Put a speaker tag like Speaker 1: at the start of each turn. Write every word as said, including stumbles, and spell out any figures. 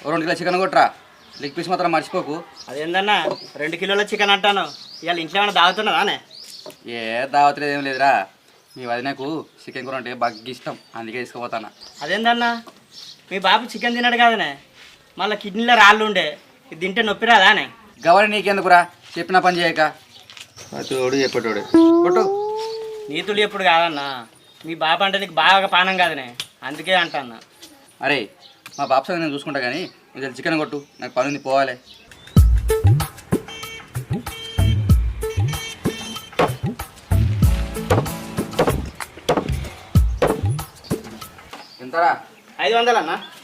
Speaker 1: రెండు kilo chicken కొట్టరా, leg piece మాత్రం మర్చిపోకు.
Speaker 2: అదేందన్నా రెండు కిలోల చికెన్ అంటాను, ఇవాళ ఇంట్లో ఏమైనా దాగుతున్నదానే?
Speaker 1: ఏ దావట్లేదు ఏం లేదురా, మీ వదినకు చికెన్ కూర అంటే బాగా ఇష్టం, అందుకే తీసుకుపోతాను.
Speaker 2: అదేందన్నా మీ బాబు చికెన్ తిన్నాడు కదనే, మళ్ళీ కిడ్నీలో రాళ్ళు ఉండే, ఇది తింటే నొప్పి రాదానే?
Speaker 1: గవరి నీకెందుకురా, చెప్పిన పని చేయక. అతోడు చెప్పేటోడు కొట్టు.
Speaker 2: నీతులు ఎప్పుడు కాదన్నా, మీ బాబు అంటే నీకు బాగా పానం కాదనే, అందుకే అంటన్నా.
Speaker 1: అరే మా బాబు సంగతి నేను చూసుకుంటా కానీ నువ్వు చికెన్ కొట్టు, నాకు పని ఉంది పోవాలి. ఎంతరా?
Speaker 2: ఐదు వందలు అన్నా.